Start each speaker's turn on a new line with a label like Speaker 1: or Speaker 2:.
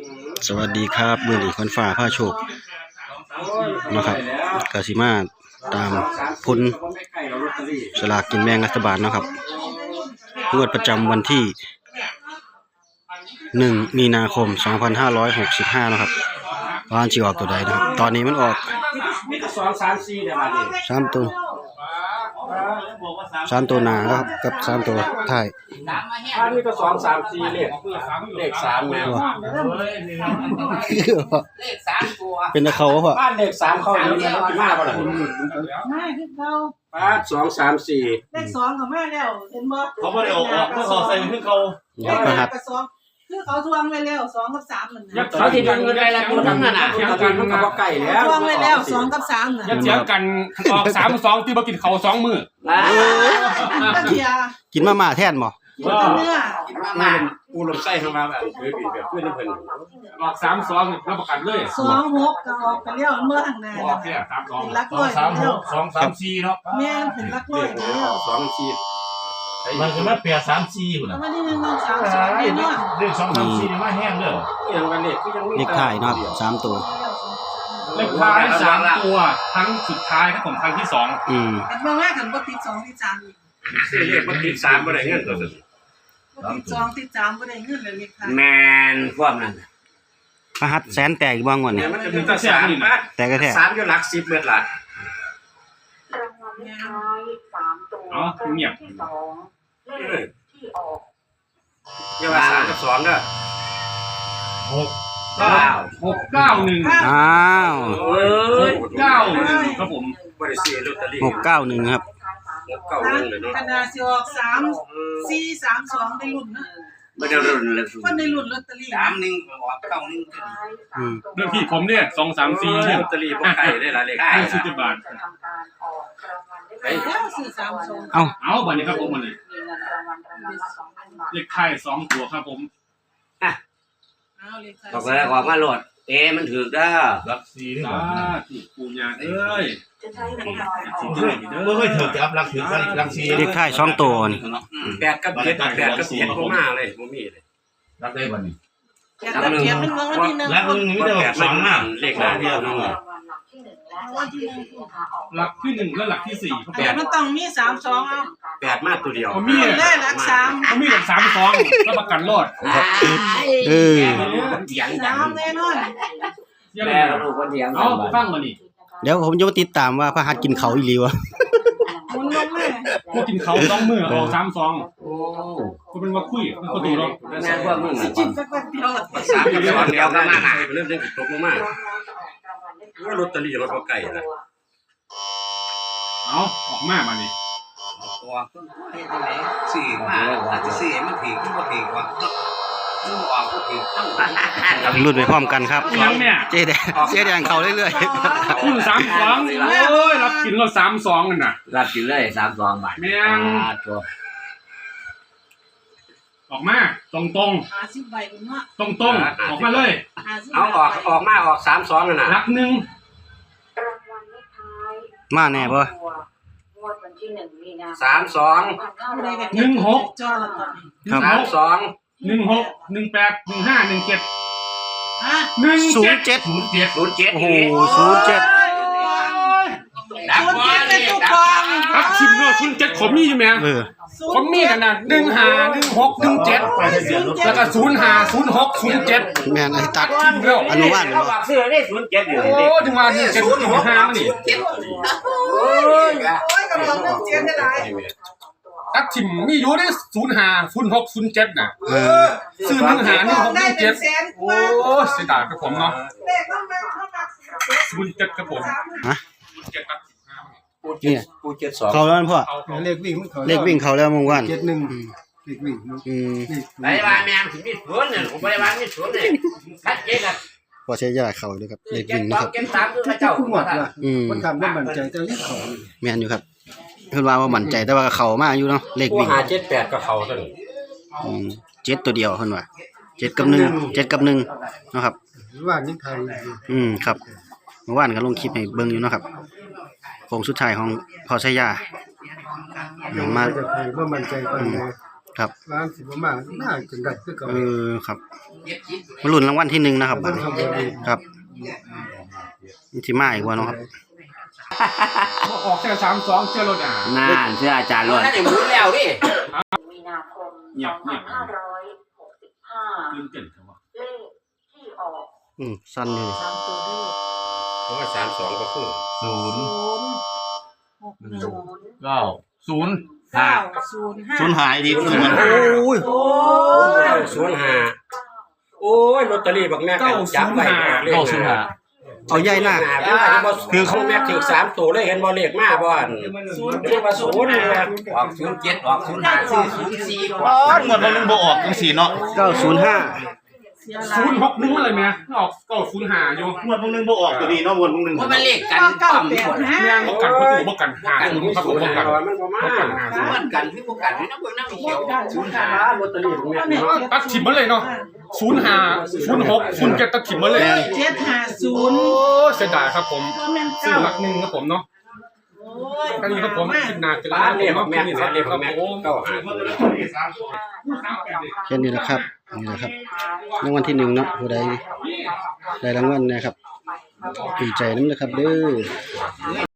Speaker 1: สวัสดีครับมือหลีคนฝ่าผ้าโชคนะครับกสิมาตามผลสลากกินแบ่งรัฐบาลนะครับงวดประจำวันที่1 มีนาคม 2565นะครับว่าจะออกตัวใดนะครับตอนนี้มันออก3 ตัวหน้าครับกับ3 ตัวท้าย
Speaker 2: ถ้านี่ก็2 3 4เลข3แม่
Speaker 3: เลข3ตัว
Speaker 1: เป็นตะเขาวะ
Speaker 2: บ้านเลข3เข้าอยู่แล้วสิมาบ่ล่ะ
Speaker 4: มาคือเขา
Speaker 2: ป้า2 3 4
Speaker 4: เลข2ก็มาแล้วเห็นบ่
Speaker 5: เขาบ่ได้ออกเมื่อเขาใส่ขึ้นเขา
Speaker 4: เลข2กับ2คือเขาทวงไว้แล้ว2กับ3นั่นน่ะ
Speaker 3: เขาสิเงินได้แล้วทั้งนั้นน่ะ
Speaker 2: เถียงกันมันก็บ่ใกล้แล้ว
Speaker 4: ทวงไว้แล้ว2กับ3น่ะ
Speaker 5: ยัดเถียงกันออก3-2ที่บ่กินเขา2มื้อ
Speaker 4: เทีย
Speaker 1: กินมาม่าแทนบ่
Speaker 4: เนื้อ
Speaker 2: มาปูลมไส้เข้ามาแบบคือบีแบบเพื่อนเพิ่น
Speaker 5: ออก3-2รับประกันเลย
Speaker 4: 2-6ก็ออกไปแล้วเมื่อข้างหน้า
Speaker 5: ออกแค่3-2
Speaker 4: ลักร้อย
Speaker 5: 2-3-4เนาะ
Speaker 4: แม่นเป็นลักร้อยแล้ว
Speaker 2: 2 4
Speaker 5: มันคือมาเปีย3-4พุ่นน่ะ
Speaker 4: มันนี่1 2 3 4เนาะ
Speaker 5: เลข2-3-4มาแห้งเด้อ
Speaker 2: อย่างกันเลขคือยังมี
Speaker 1: เลขท้ายนะครับ3 ตัว
Speaker 5: เลขท้าย3 ตัวครั้งสุดท้ายครับผมครั้งที่2
Speaker 4: อันเบิ่งว่ากันบ่ติด2ติด3อีก
Speaker 2: ซื้อเลขบ่ติด3บ่ได้เงินตัวนั้น
Speaker 4: ติด2ติด3บ่ได้เงินเลยเลขท้าย
Speaker 3: แม่นความนั้น
Speaker 1: พระหัตแสนแตกอีกบ้างวันนี้
Speaker 2: มันถึงจะ3นี่นะ
Speaker 1: แต่ก็แท้
Speaker 2: 3อยู่หลัก10เบิดล่ะ
Speaker 5: อ๋อเงียบ
Speaker 2: อย่าว่า3กับ2เด้อ
Speaker 5: 691
Speaker 1: อ้าว
Speaker 5: 691ครับผม
Speaker 2: บ่ได้ซื้อลอตเตอรี่
Speaker 1: 691ครับ
Speaker 2: 691เลยเนาะ
Speaker 4: ขนาดสิออก3 4 3 2ได้ลุ้นนะ
Speaker 3: บ่ได้รุ่นเลย
Speaker 4: คนได้ลุ้นลอตเตอรี่
Speaker 3: 31ก็ออก91
Speaker 5: เรื่องพี่ผมเนี่ย2-3-4เนี่ย
Speaker 2: ลอตเตอรี่บ่ไกลได้ล่ะเลข
Speaker 5: 50 บาท
Speaker 4: แล้วซื้อ3 2
Speaker 5: เอาบัดนี้ครับผมมันเลยเลขท้าย2 ตัวครับผม
Speaker 3: บอกแล้วว่ามาโหลดมันถูกเด้อ
Speaker 5: รัก4นี่บ่ถูกปูญาเอ้ย
Speaker 6: บ่เคยถูกจับรัก4
Speaker 1: เลขท้าย2 ตัวนี่
Speaker 2: 8กับ7 8กับ7บ่มาเลยบ่มีเลย
Speaker 6: รักได้บ่นี่
Speaker 4: รัก1มันเมืองวันที่1
Speaker 6: รัก1มีแต่2น่ะ
Speaker 2: เลขหน้าเดียวนั่นแหละ
Speaker 5: หลักที่1และหลักที่4ครับ
Speaker 4: 8มันต้องมี3 2เอา
Speaker 2: 8มาตัวเดียว
Speaker 5: มี
Speaker 4: ได้หลัก3
Speaker 5: มีหลัก3-2รับประกันรอด
Speaker 4: 3แน่นอน
Speaker 3: แม่ลูกคนเดียว
Speaker 5: เอาฟังมานี่
Speaker 1: เดี๋ยวผมจะมาติดตามว่าพระหัตกินเขาอีหลีวะ
Speaker 4: มุนลงแม่
Speaker 5: พวกกินเขา2 มื้อออก3-2โอ้ก็เป็นว่าคุยมันก็ดูเนาะ
Speaker 3: แม่พวกมึง
Speaker 4: จิตสักแป๊บเดียว
Speaker 2: 3กับ2เดียวกันมาเริ่มตกลงมาลอตเตอรี่รถบ่ไกลนะ
Speaker 5: เอาออกมาบัดนี้
Speaker 3: ตัวเฮ็ดจังได๋ซื้อมาอาจจะซื้อมันถูกมันบ่ถูกว่ามันออกบ่ถูกต้อง
Speaker 1: รุ่นไปพร้อมกันครับเจ๊แดงเขาเรื่อย
Speaker 5: ๆคุณ3-2โอ้ยรับกินรถ3-2นั่นน่ะ
Speaker 3: รับกินเลย32 บาท
Speaker 5: แม่ง
Speaker 3: ตัว
Speaker 5: ออกมาตรง
Speaker 4: 50ใบพุ่นเนาะ
Speaker 5: ตรงออกมาเลย
Speaker 2: เอาออกมาออก32นั่นน่ะ
Speaker 5: หลัก1
Speaker 1: มาแน่บ่
Speaker 2: 32
Speaker 5: 16
Speaker 4: จอละตอนนี้
Speaker 2: 32
Speaker 5: 16 18 15 17
Speaker 4: ฮะ
Speaker 1: 07โอ้โห07
Speaker 3: ดับบ่
Speaker 4: ได้ทุกกอง
Speaker 5: อักชิมเนาะ07ขอมีอยู่แม่ขอมีกันน่ะ15 16 17แล้วก็05 06 07
Speaker 1: แม่นไอ้ตัดอนุบาล
Speaker 3: เขาบอกซื้อได้07อยู่
Speaker 5: โอ้ถึงว่า17 05นี่
Speaker 4: โอ้ยกำลัง17ได้หลาย
Speaker 5: ตักชิมมีอยู่ได้05 06 07น่ะซื้อ15 16 17โอ้เสียดายครับผมเนาะ07ครับผม
Speaker 1: ฮะ
Speaker 5: 07ครับ
Speaker 2: ปู72
Speaker 1: เขาแล้วพ่อ
Speaker 6: เลขวิ่งมันเขา
Speaker 1: เลขวิ่งเขาแล้วมงวัน
Speaker 6: 71เลขวิ่ง
Speaker 3: ไปบ้านแม่สิมีสวนเนี่ยผมไปบ้านมีสวนเนี่ยชัดเจนครับ
Speaker 1: พอใช้ยาเขาเลยครับเลขวิ่งนะครับ
Speaker 3: เก็บ3คือพระเจ้า
Speaker 6: หมดล่ะมันทำบ่มั่นใจแต่เลขเขา
Speaker 1: แม่นอยู่ครับเพิ่นว่ามั่นใจแต่ว่าเขามาอยู่เนาะเลขวิ่ง
Speaker 2: 578ก็เข้าซั่น
Speaker 1: 7ตัวเดียวเพิ่นว่า7 กับ 1 7 กับ1เนาะครับ
Speaker 6: ว่านยังไทย
Speaker 1: ครับเมื่อวานก็ลงคลิปให้เบิ่งอยู่เนาะครับโค้งสุดท้ายของพอใช้ยา
Speaker 6: มาจากไทยบ่มั่นใจปานใด
Speaker 1: ครับ
Speaker 5: ร้านสิบมาน่าจะได้คือเก่า
Speaker 1: ครับมาลุ้นรางวัลที่หนึ่งนะครับบัดนี้ครับมีที่มาอีกว่าเนาะครับ
Speaker 5: ออกแค่32เจอรถอ่ะ
Speaker 3: น่าเชื่ออาจารย์ล้วนนั่นเดี๋ยวหมุนแล้วดิ
Speaker 7: มีนาคม
Speaker 5: เงียบเงียบ
Speaker 7: 2565
Speaker 5: ตื่นเต้นครับว่า
Speaker 7: เลขที่ออก
Speaker 1: สั้นอยู่นี่
Speaker 4: 3ตัวเลข
Speaker 2: เพราะว่า32ก็คือ
Speaker 6: เก้าศูนย์
Speaker 4: 905
Speaker 6: ศูนย์หายดีคือมัน
Speaker 1: โอ้ย
Speaker 4: โอ้ย
Speaker 2: 905โอ้ยลอตเตอรี่บักแม่กันจับไว้เลข
Speaker 6: เก้าศูนย์หา
Speaker 1: เอาใหญ่หน้า
Speaker 2: คือเขาแม่ถึง3ตัวเลยเห็นบ่เลขมาบ่อันเรียกว่า0นี่แหละ
Speaker 3: ออก07ออก05ซื้อ04กว่า
Speaker 6: อ๋อหมดมันนึงบ่ออกจังสี่เนาะ
Speaker 1: 905
Speaker 4: เสียหลาย
Speaker 5: 061อะไรแม่ออก905อยู่
Speaker 6: หมดมันนึงบ่ออกตัวนี้เนาะหมดมันนึง
Speaker 3: ว่ามันเลขกันต่ำหมด
Speaker 5: แม่งบ่กันประตูบ่กัน50ครับผมบ่กัน
Speaker 2: มันบ่มา
Speaker 5: บ่กัน
Speaker 3: มันกันพี่บ่กันนี่นะเบิ่งน้ำเขียว
Speaker 2: ลอตเตอรี่บักแม่
Speaker 5: ตัดถิ่มมาเลยเนาะ05 06 07ตัดถิ่มมาเลย
Speaker 4: 750
Speaker 5: โอ้เสียดายครับผม
Speaker 4: บ่แม่น
Speaker 5: ซื้อ
Speaker 4: 9
Speaker 5: หลักหนึ่งครับผมเนาะ
Speaker 4: โอ้ย
Speaker 5: อันนี้ครับผมคิดหนักจะ
Speaker 2: ร้านเลข
Speaker 5: เนาะ
Speaker 2: แม่
Speaker 5: นี่
Speaker 2: ร้านเลข
Speaker 5: ครับ
Speaker 2: แม่
Speaker 5: ผม
Speaker 1: แค่นี้แหละครับนี่แหละครับรางวัลที่หนึ่งเนาะผู้ใดได้รางวัลนะครับดีใจน้ำนะครับเด้อ